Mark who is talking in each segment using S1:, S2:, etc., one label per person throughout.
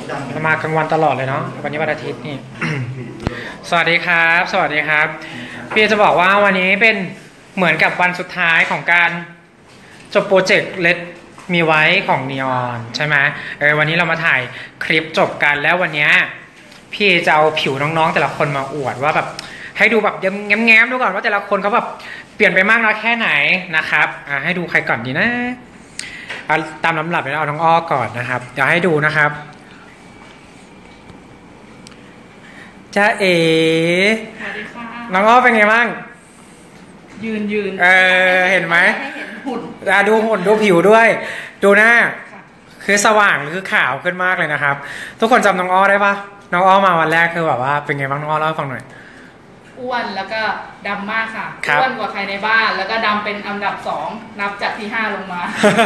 S1: มากลางวันตลอดเลยเนาะวันนี้วันอาทิตย์นี่ สวัสดีครับสวัสดีครับพี่จะบอกว่าวันนี้เป็นเหมือนกับวันสุดท้ายของการจบโปรเจกต์เลดมีไว้ของนีออนใช่ไหมวันนี้เรามาถ่ายคลิปจบกันแล้ววันนี้พี่จะเอาผิวน้องๆแต่ละคนมาอวดว่าแบบให้ดูแบบแง้มๆดูก่อนว่าแต่ละคนเขาแบบเปลี่ยนไปมากน้อยแค่ไหนนะครับให้ดูใครก่อนดีนะตามลำดับเลยเอาน้องอ้อก่อนนะครับเดี๋ยวให้ดูนะครับจ้าเอ๋
S2: สวัสดีค่ะ
S1: น้องอ้อเป็นไงบ้าง
S2: ยืน
S1: เห็นไหม
S2: ให้เห็นหุ่น
S1: ดูหุ่นดูผิวด้วยดูหน้าคือสว่างคือขาวขึ้นมากเลยนะครับทุกคนจำน้องอ้อได้ปะน้องอ้อมาวันแรกคือแบบว่าเป็นไงบ้างน้องอ้อเล่าให้ฟังหน่อย
S2: อ้วนแล้วก็ดำมากค่ะอ้วนกว่าใครในบ้านแล้วก็ดำเป็นอันดับ2นับจากที่5ลงมา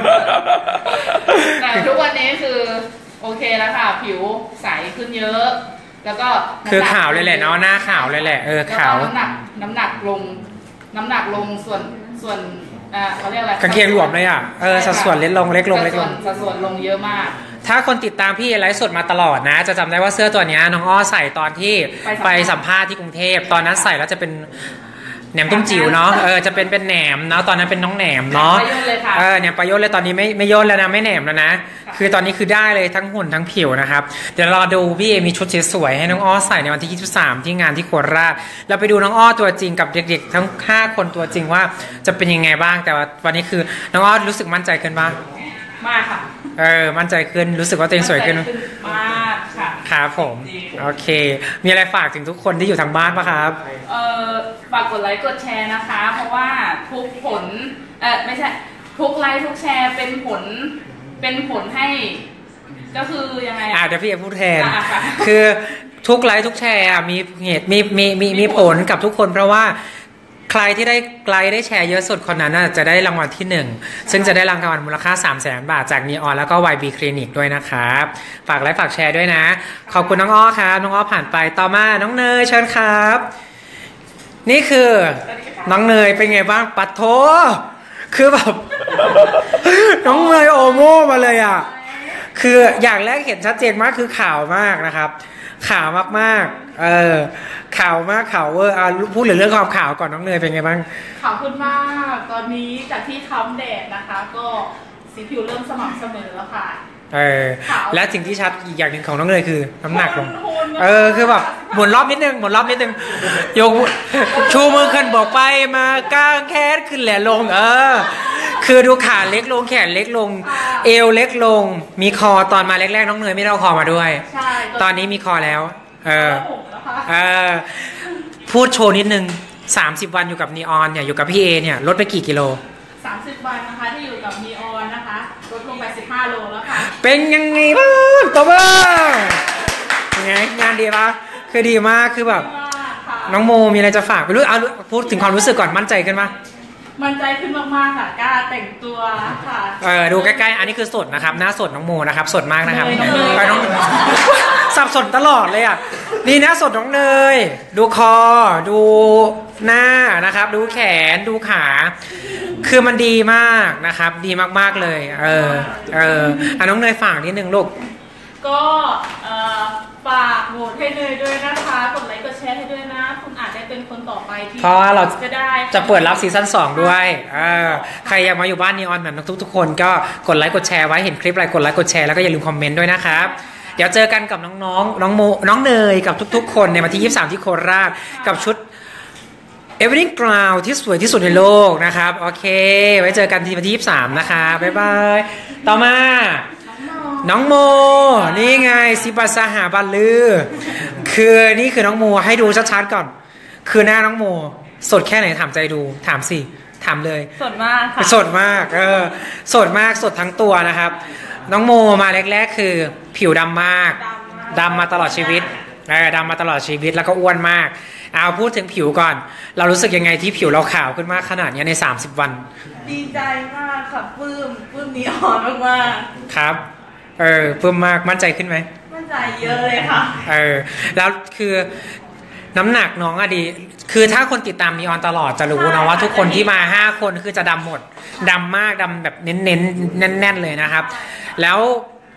S2: แต่ทุกวันนี้คือโอเคแล้วค่ะผิวใสขึ้นเยอะแล้วก็
S1: คือขาวเลยแหละเนาะหน้าขาวเลยแหละขาว
S2: น้ำหนักลงส่วนเขาเรียกอะไร
S1: กางเกงหลวมเลยสัดส่วนเล็กลง
S2: สัดส่วนลงเยอะมาก
S1: ถ้าคนติดตามพี่ไลฟ์สดมาตลอดนะจะจำได้ว่าเสื้อตัวนี้น้องอ้อใส่ตอนที่ไปสัมภาษณ์ที่กรุงเทพตอนนั้นใส่แล้วจะเป็นแหนมตุ้มจิ๋วเนาะจะเป็นแหนมเนาะตอนนั้นเป็นน้องแหนมเนาะเนี่ยประโยชน์เลยตอนนี้ไม่ย่นแล้วนะไม่แหนมแล้วนะคือตอนนี้คือได้เลยทั้งหุ่นทั้งผิวนะครับเดี๋ยวรอดูพี่มีชุดสวยๆให้น้องอ้อใส่ในวันที่23ที่งานที่โคราชเราไปดูน้องอ้อตัวจริงกับเด็กๆทั้ง5คนตัวจริงว่าจะเป็นยังไงบ้างแต่ว่าวันนี้คือน้องอ้อรู้สึกมั่นใจขึ้นบ้าง
S2: มากค่ะ
S1: มั่นใจขึ้นรู้สึกว่าตัวเองสวยขึ้น
S2: มากค่ะ
S1: ครับผมโอเคมีอะไรฝากถึงทุกคนที่อยู่ทางบ้านปะครับ
S2: ฝากกดไลค์กดแชร์นะคะเพราะว่าทุกผลไม่ใช่ทุกไลค์ทุกแชร์เป็นผลให้ก็คือยังไง
S1: เดี๋ยวพี่จะพูดแทนคือทุกไลค์ทุกแชร์มีเหตุมีผลกับทุกคนเพราะว่าใครที่ได้แชร์เยอะสุดคนนั้นจะได้รางวัลที่1ซึ่งจะได้รางวัลมูลค่า 300,000 บาทจากนีออนแล้วก็ YB คลินิกด้วยนะครับฝากไลค์ฝากแชร์ด้วยนะขอบคุณน้องอ้อครับน้องอ้อผ่านไปต่อมาน้องเนยเชิญครับนี่คือน้องเนยเป็นไงบ้างปัดโถคือแบบน้องเนยโอโม่มาเลยคืออย่างแรกเห็นชัดเจนมากคือขาวมากนะครับขาวมากขาวมากขาวเวอร์พูดเรื่องความขาวก่อนน้องเนยเป็นไงบ้าง
S2: ขาวขึ้นมากตอนนี้จากที่ค้ำแดดนะคะก็สีผิวเริ่มสม่ำเสมอแล้วค่ะ
S1: และสิ่งที่ชัดอีกอย่างหนึ่งของน้องเนยคือน้ำหนักลงคือแบบหมุนรอบนิดนึงยกชูมือขึ้นบอกไปมาก้างแคสขึ้นแหละลงคือดูขาเล็กลงแขนเล็กลงเอวเล็กลงมีคอตอนมาแรกๆน้องเนยไม่ได้เอาคอมาด้วยตอนนี้มีคอแล้วพูดโชว์นิดนึง30 วันอยู่กับนีออนเนี่ยอยู่กับพี่เอเนี่ยลดไปกี่กิโล
S2: 30 วันนะคะที่อยู่กับนีออนนะคะลดลงไป15 โลแล้วค่ะ
S1: เป็นยังไงบ้างตัวบ้างยังไงงานดีปะคือดีมากคือแบบน้องโมมีอะไรจะฝากไปรู้พูดถึงความรู้สึกก่อนมั่นใจขึ้นปะ
S2: มั่นใจขึ้นมากๆค่ะกล้าแต่งตัวค่ะ
S1: ดูใกล้ๆอันนี้คือสดนะครับหน้าสดน้องโมนะครับสดมากนะครับไปน้องสับสนตลอดเลยนี่หน้าสดน้องเนยดูคอดูหน้านะครับดูแขนดูขาคือมันดีมากนะครับดีมากๆเลยน้องเนยฝากนิดนึงลูก
S2: ก็ฝากโหวตให้เนยด้วยนะคะกดไลค์กดแชร์ให้ด้วยนะคุณอาจจะเป็นคนต่อไปที่
S1: เพราะว่าเราจะเปิดรับซีซั่น2ด้วยใครอยากมาอยู่บ้านนีออนแบบทุกคนก็กดไลค์กดแชร์ไว้เห็นคลิปอะไรกดไลค์กดแชร์แล้วก็อย่าลืมคอมเมนต์ด้วยนะครับเดี๋ยวเจอกันกับน้องๆน้องเนยกับทุกๆคนในวันที่23ที่โคราชกับชุด Everything Crown ที่สวยที่สุดในโลกนะครับโอเคไว้เจอกันที่วันที่23นะคะบ๊ายบายต่อมาน้องโมนี่ไงซิปัสหาบัลลือคือนี่คือน้องโมให้ดูชัดๆก่อนคือหน้าน้องโมสดแค่ไหนถามใจดูถามสิถามเลย
S2: สดมากค่ะ
S1: สดมากสดมากสดทั้งตัวนะครับน้องโมมาแรกๆคือผิวดำมากดำมาตลอดชีวิตดำมาตลอดชีวิตแล้วก็อ้วนมากเอาพูดถึงผิวก่อนเรารู้สึกยังไงที่ผิวเราขาวขึ้นมากขนาดนี้ใน30 วัน
S2: ดีใจมากค่ะปลื้มนีออนมาก
S1: ๆครับเพิ่มมากมั่นใจขึ้นไหม
S2: มั่นใจเยอะเลยค่ะ
S1: แล้วคือน้ำหนักน้องดีคือถ้าคนติดตามนีออนตลอดจะรู้นะว่าทุกคนที่มา5 คนคือจะดำหมดดำมากดำแบบเน้นแน่นๆเลยนะครับแล้ว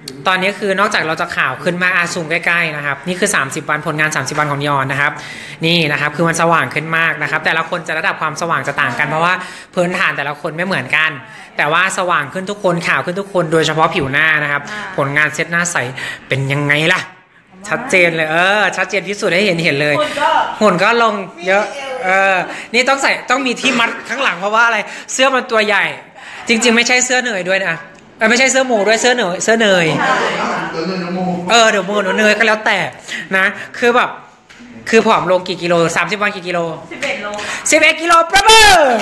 S1: ตอนนี้คือนอกจากเราจะข่าวขึ้นมาซูมใกล้ๆนะครับนี่คือ30วันผลงาน30วันของยอนนะครับนี่นะครับคือมันสว่างขึ้นมากนะครับแต่ละคนจะระดับความสว่างจะต่างกันเพราะว่าพื้นฐานแต่ละคนไม่เหมือนกันแต่ว่าสว่างขึ้นทุกคนข่าวขึ้นทุกคนโดยเฉพาะผิวหน้านะครับผลงานเซตหน้าใสเป็นยังไงล่ะชัดเจนเลยชัดเจนพิสูจน์ให้เห็นเลยหุ่นก็ลงเยอะนี่ต้องมีที่มัดข้างหลังเพราะว่าอะไรเสื้อมันตัวใหญ่จริงๆไม่ใช่เสื้อเหนื่อยด้วยนะไม่ใช่เสื้อหมูด้วยเสื้อเนยเดี๋ยวหมูเนยก็แล้วแต่นะคือแบบคือผอมลงกี่กิโล30 วันกี่กิโล
S2: 11 โล
S1: 11 กิโลประเบิด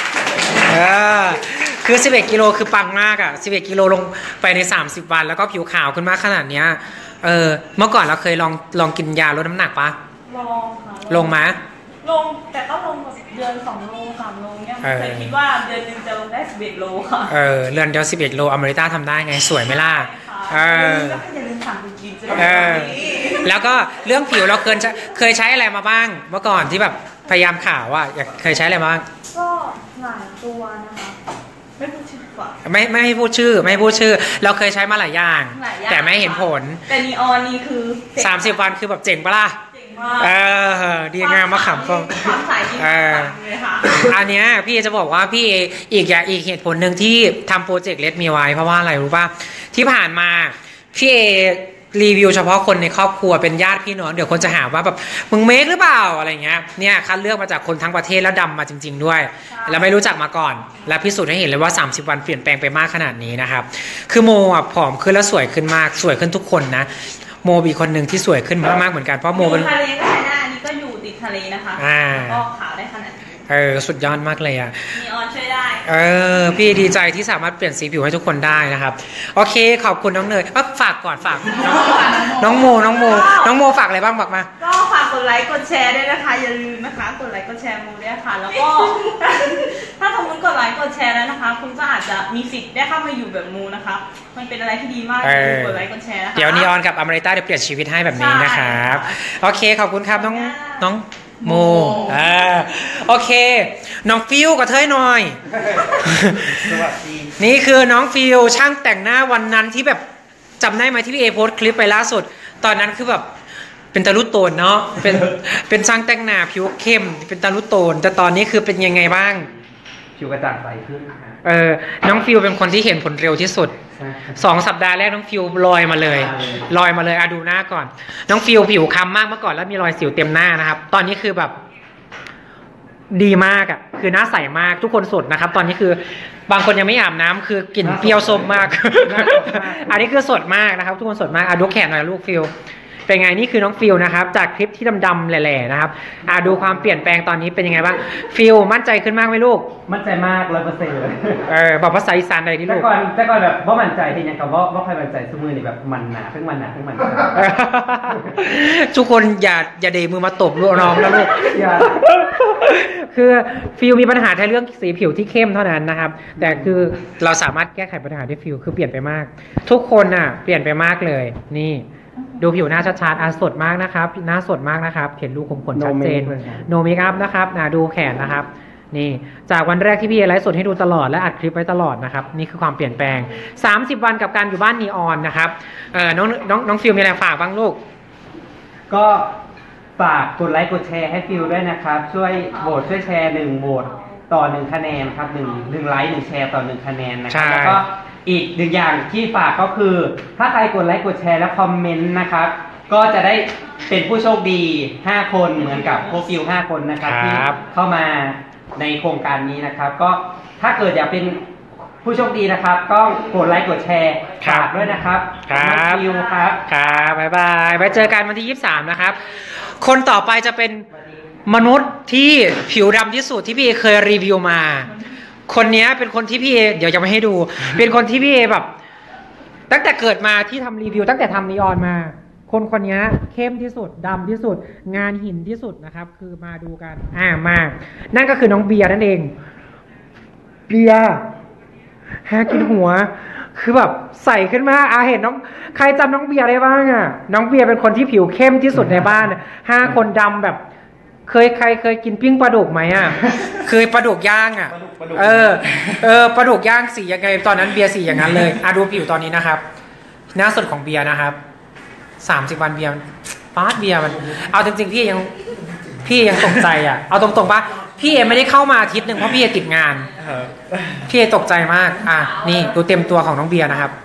S1: คือ11 กิโลคือปังมากอ่ะ11 กิโลลงไปใน30 วันแล้วก็ผิวขาวขึ้นมากขนาดเนี้ยเมื่อก่อนเราเคยลองกินยาลดน้ำหนักปะ
S2: ลองค่ะ
S1: ลงมา
S2: ลงแต่ก็ลงแบบเดือน2 โล 3 โลเนี่ยเคยคิดว่าเดือนนึงจะลงได้11 โลค่ะ
S1: เดือนเดียว11 โลอเมริกาทำได้ไงสวยไหมล่ะ
S2: อย่าลืมถามจริงๆ
S1: แล้วก็เรื่องผิวเราเคยใช้อะไรมาบ้างเมื่อก่อนที่แบบพยายามข่าวว่าเคยใช้อะไรมาบ้าง
S2: ก็หลายตัวนะคะไม่พูดชื่อ
S1: ไม่ให้พูดชื่อเราเคยใช้มาหลายอย่างแต่ไม่เห็นผล
S2: แต่นีออนนี่คือ
S1: 30 วันคือแบบเจ๋งปะล่ะดีงามมาขำฟอง
S2: ความใสดีเลยค่ะ
S1: อันเนี้ยพี่จะบอกว่าพี่อีกเหตุผลหนึ่งที่ทำโปรเจกต์เลดมีไว้เพราะว่าอะไรรู้ป่ะที่ผ่านมาพี่รีวิวเฉพาะคนในครอบครัวเป็นญาติพี่น้องเดี๋ยวคนจะหาว่าแบบมึงเมคหรือเปล่าอะไรเงี้ยเนี่ยคัดเลือกมาจากคนทั้งประเทศแล้วดำมาจริงๆด้วยแล้วไม่รู้จักมาก่อนและพิสูจน์ให้เห็นเลยว่า30 วันเปลี่ยนแปลงไปมากขนาดนี้นะครับคือโมผอมขึ้นแล้วสวยขึ้นมากสวยขึ้นทุกคนนะโมบีคนหนึ่งที่สวยขึ้นมากๆเหมือนกันเพราะโมเป็น
S2: ทะเลก็ใช้ได้อันนี้ก็อยู่ติดทะเลนะคะก็ขาวได้ขนาด
S1: สุดยอดมากเลยอ่ะ
S2: นีออนช่วยได้
S1: พี่ดีใจที่สามารถเปลี่ยนสีผิวให้ทุกคนได้นะครับโอเคขอบคุณน้องเนยฝากก่อนฝากน้องโมฝากอะไรบ้างบอกมา
S2: ก็ฝากกดไลค์กดแชร์ด้วยนะคะอย่าลืมนะคะกดไลค์กดแชร์โมด้วยค่ะแล้วก็ถ้าสมมติกดไลค์กดแชร์แล้วนะคะคุณก็อาจจะมีสิทธิ์ได้เข้ามาอยู่แบบโมนะคะมันเป็นอะไรที่ดีมากกดไลค์กดแชร์นะคะ
S1: เดี๋ยวนีออนกับอเมริกาเดี๋ยวเปลี่ยนชีวิตให้แบบนี้นะครับโอเคขอบคุณครับน้องโมโอเคน้องฟิวกับเธอหน่อยนี่คือน้องฟิวช่างแต่งหน้าวันนั้นที่แบบจำได้ไหมที่พี่เอโพสคลิปไปล่าสุดตอนนั้นคือแบบเป็นตาลุโตนเนาะเป็นช่างแต่งหน้าผิวเข้มเป็นตาลุโตนแต่ตอนนี้คือเป็นยังไงบ้าง
S3: ผิวกระจ่างใสขึ้น
S1: น้องฟิวเป็นคนที่เห็นผลเร็วที่สุด2 สัปดาห์แรกน้องฟิวลอยมาเลยดูหน้าก่อนน้องฟิวผิวค้ำมากเมื่อก่อนแล้วมีรอยสิวเต็มหน้านะครับตอนนี้คือแบบดีมากอ่ะคือหน้าใสมากทุกคนสดนะครับตอนนี้คือบางคนยังไม่อาบน้ำคือกลิ่นเปรี้ยวส้มมากอันนี้คือสดมากนะครับทุกคนสดมากดูแขนหน่อยลูกฟิวเป็นไงนี่คือน้องฟิลนะครับจากคลิปที่ดำๆแหล่ๆนะครับดูความเปลี่ยนแปลงตอนนี้เป็นยังไงบ้างฟิลมั่นใจขึ้นมากไหมลูก
S3: มั่นใจมาก 100%เลย
S1: บอกภาษาอีสานใดที่ลูก
S3: แต่ก่อนแบบว่ามั่นใจที่ยังกับว่าใครมั่นใจสมือนี่แบบมันหนาเพิ่งมัน
S1: ทุกคนอย่าเดมือมาตบลูกน้องแล้วลูกคือฟิลมีปัญหาแค่เรื่องสีผิวที่เข้มเท่านั้นนะครับแต่คือเราสามารถแก้ไขปัญหาด้วยฟิลคือเปลี่ยนไปมากทุกคนเปลี่ยนไปมากเลยนี่ดูผิวหน้าชัดๆสดมากนะครับหน้าสดมากนะครับเห็นรูขุมขนชัดเจนโนเมคอัพนะครับดูแขนนะครับนี่จากวันแรกที่พี่ไลฟ์สดให้ดูตลอดและอัดคลิปไว้ตลอดนะครับนี่คือความเปลี่ยนแปลง30 วันกับการอยู่บ้านนีออนนะครับน้องฟิลมีอะไรฝากบ้างลูก
S3: ก็ฝากกดไลค์กดแชร์ให้ฟิลด้วยนะครับช่วยโหวตช่วยแชร์1 โหวตต่อ1 คะแนนครับ1 ไลค์1 แชร์ต่อ1 คะแนนนะครับแล้วก็อีก1 อย่างที่ฝากก็คือถ้าใครกดไลค์กดแชร์และคอมเมนต์นะครับก็จะได้เป็นผู้โชคดี5 คนเหมือนกับโปรฟิล5 คนนะครับที่เข้ามาในโครงการนี้นะครับก็ถ้าเกิดอยากเป็นผู้โชคดีนะครับก็กดไลค์กดแชร์ฝากด้วยนะครับ
S1: ครับ
S3: ฟิลครับ
S1: บ๊ายบายไว้เจอกันวันที่23นะครับคนต่อไปจะเป็นมนุษย์ที่ผิวดำที่สุดที่พี่เคยรีวิวมาคนนี้เป็นคนที่พี่เดี๋ยวจะมาให้ดูเป็นคนที่พี่แบบตั้งแต่เกิดมาที่ทำรีวิวตั้งแต่ทำนีออนมาคนนี้เข้มที่สุดดำที่สุดงานหินที่สุดนะครับคือมาดูกันมานั่นก็คือน้องเบียร์นั่นเองเบียร์แฮกินหัวคือแบบใส่ขึ้นมาเห็นน้องใครจำน้องเบียร์ได้บ้างน้องเบียร์เป็นคนที่ผิวเข้มที่สุดในบ้าน5 คนดำแบบใครเคยกินปิ้งปลาดุกไหมเคยปลาดุกย่างปลาดุกย่างสียังไงตอนนั้นเบียร์สีอย่างนั้นเลยดูผิวตอนนี้นะครับหน้าสดของเบียร์นะครับ30 วันเบียร์ป้าดเบียร์มันเอาจริงๆพี่ยังตกใจอ่ะเอาตรงๆปะพี่เอไม่ได้เข้ามาอาทิตย์หนึ่งเพราะพี่เอติดงานพี่เอตกใจมากนี่ดูเต็มตัวของน้องเบียร์นะครับ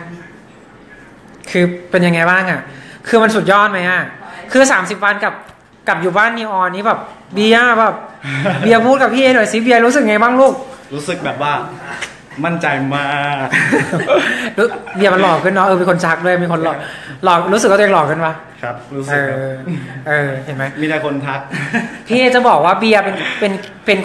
S1: คือเป็นยังไงบ้างอ่ะคือมันสุดยอดไหมอ่ะคือ30 วันกับอยู่บ้านนีออนนี้แบบเบียร์แบบเบียร์พูดกับพี่เอหน่อยสิเบียร์รู้สึกไงบ้างลูก
S4: รู้สึกแบบว่ามั่นใจมาก
S1: เบียร์มันหล่อขึ้นเนาะเป็นคนชักด้วยมีคนหล่อรู้สึกว่าตัวเองหล่อขึ้นปะ
S4: ครับรู้สึก
S1: เห็นไหม
S4: มีแต่คนทัก
S1: พี่จะบอกว่าเบียร์เป็น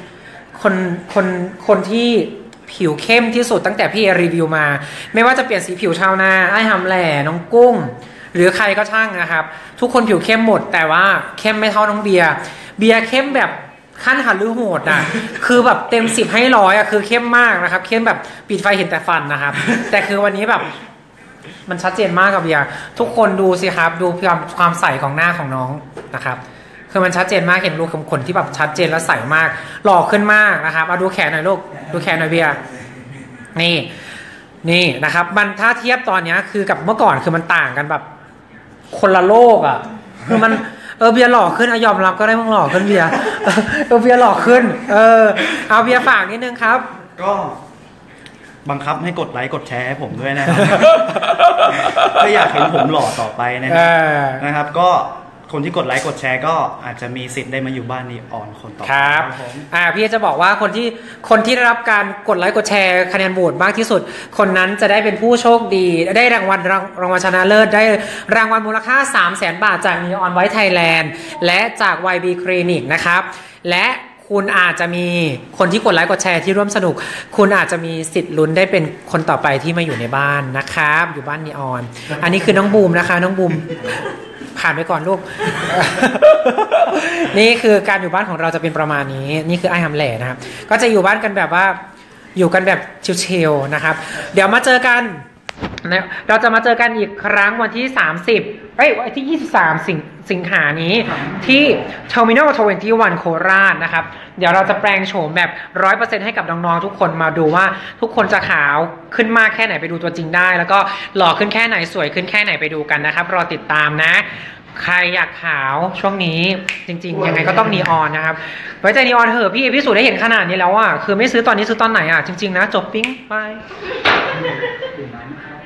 S1: คนที่ผิวเข้มที่สุดตั้งแต่พี่รีวิวมาไม่ว่าจะเปลี่ยนสีผิวชาวนาไอ้หำแหล่น้องกุ้งหรือใครก็ช่างนะครับทุกคนผิวเข้มหมดแต่ว่าเข้มไม่เท่าน้องเบียร์เข้มแบบขั้นหันหรือโหดอ่ะคือแบบเต็ม10ให้100อ่ะคือเข้มมากนะครับเข้มแบบปิดไฟเห็นแต่ฟันนะครับแต่คือวันนี้แบบมันชัดเจนมากกับเบียร์ทุกคนดูสิครับดูความใสของหน้าของน้องนะครับคือมันชัดเจนมากเห็นรูขุมขนที่แบบชัดเจนและใสมากหล่อขึ้นมากนะครับเอาดูแขนหน่อยลูกดูแขนหน่อยเบียร์นี่นะครับมันถ้าเทียบตอนนี้คือกับเมื่อก่อนคือมันต่างกันแบบคนละโลกอ่ะคือมันเบียร์หล่อขึ้นยอมรับก็ได้มึงหล่อขึ้นเบียร์เบียร์หล่อขึ้นเอาเบียร์ฝากนิดนึงครับ
S4: ก็บังคับให้กดไลค์กดแชร์ให้ผมด้วยนะครับถ้าอยากเห็นผมหล่อต่อไปนะครับก็คนที่กดไลค์กดแชร์ก็อาจจะมีสิทธิ์ได้มาอยู่บ้านนีออนคนต่อไป
S1: ครับพี่จะบอกว่าคนที่ได้รับการกดไลค์กดแชร์คะแนนโหวตมากที่สุดคนนั้นจะได้เป็นผู้โชคดีได้รางวัลชนะเลิศได้รางวัลมูลค่า 300,000 บาทจากนีออนไว้ไทยแลนด์และจาก YB Clinic นะครับและคุณอาจจะมีคนที่กดไลค์กดแชร์ที่ร่วมสนุกคุณอาจจะมีสิทธิ์ลุ้นได้เป็นคนต่อไปที่มาอยู่ในบ้านนะครับอยู่บ้านนีออนอันนี้คือน้องบูมนะคะน้องบูมผ่านไปก่อนลูก นี่คือการอยู่บ้านของเราจะเป็นประมาณนี้นี่คือไอ้หำแหล่นะครับก็จะอยู่บ้านกันแบบว่าอยู่กันแบบชิลๆนะครับเดี๋ยวมาเจอกันนะเราจะมาเจอกันอีกครั้งวันที่วันที่23 สิงหานี้ที่ Terminal 21 โคราชนะครับเดี๋ยวเราจะแปลงโฉมแบบ 100% ให้กับน้องๆทุกคนมาดูว่าทุกคนจะขาวขึ้นมากแค่ไหนไปดูตัวจริงได้แล้วก็หล่อขึ้นแค่ไหนสวยขึ้นแค่ไหนไปดูกันนะครับรอติดตามนะใครอยากขาวช่วงนี้จริงๆยังไงก็ต้องนีออนนะครับไว้ใจนีออนเถอะพี่พิสูจน์ได้เห็นขนาดนี้แล้วอ่ะคือไม่ซื้อตอนนี้ซื้อตอนไหนอ่ะจริงๆนะจบปิ้งไป